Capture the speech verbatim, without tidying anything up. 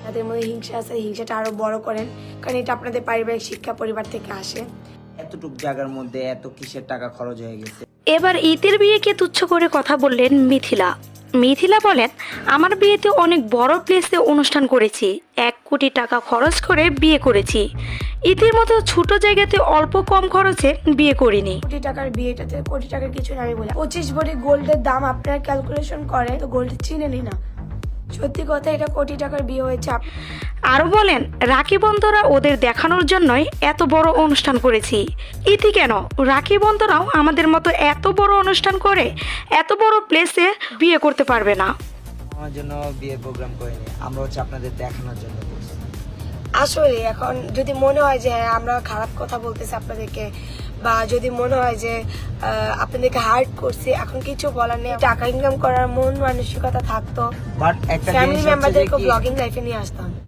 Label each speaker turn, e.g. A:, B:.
A: তাদের মধ্যে হিংসা আছে, হিংসাটা আরো বড় করেন, কারণ এটা আপনাদের পারিবারিক শিক্ষা পরিবার থেকে আসে।
B: এতটুক জায়গার মধ্যে এত কিসের টাকা খরচ হয়ে গেছে।
C: এবার ঈদের বিয়েকে তুচ্ছ করে কথা বললেন মিথিলা। মিথিলা বলেন, আমার বিয়েতে অনেক বড় প্লেসে অনুষ্ঠান করেছি, এক কোটি টাকা খরচ করে বিয়ে করেছি। ঈদের মতো ছোট জায়গাতে অল্প কম খরচে বিয়ে করিনি।
A: কোটি টাকার বিয়েটাতে কোটি টাকার কিছু না, আমি বলি পঁচিশ ভরি গোল্ডের দাম আপনারা ক্যালকুলেশন করে তো গোল্ড চিনেনি না, সত্যি কথা এটা কোটি টাকার বিয়ে হয়েছে।
C: আরও বলেন, রাখি বন্ধুরা ওদের দেখানোর জন্যই এত বড় অনুষ্ঠান করেছি। ইতি কেন, রাখি বন্ধুরাও আমাদের মতো এত বড় অনুষ্ঠান করে এত বড় প্লেসে বিয়ে করতে পারবে না।
B: আমার জন্য বিয়ে প্রোগ্রাম করিনি, আমরা হচ্ছে আপনাদের দেখানোর জন্য করছি।
A: আসলে এখন যদি মনে হয় যে হ্যাঁ আমরা খারাপ কথা বলতেছি আপনাদেরকে, বা যদি মনে হয় যে আপনাদেরকে হার্ট করছি, এখন কিছু বলার নেই। টাকা ইনকাম করার মন মানসিকতা থাকতো,
B: বাট একটা
A: ফ্যামিলি
B: জিনিস হচ্ছে যে
A: মেম্বারদেরকে
B: কি,
A: ব্লগিং লাইফে নিয়ে আসতাম।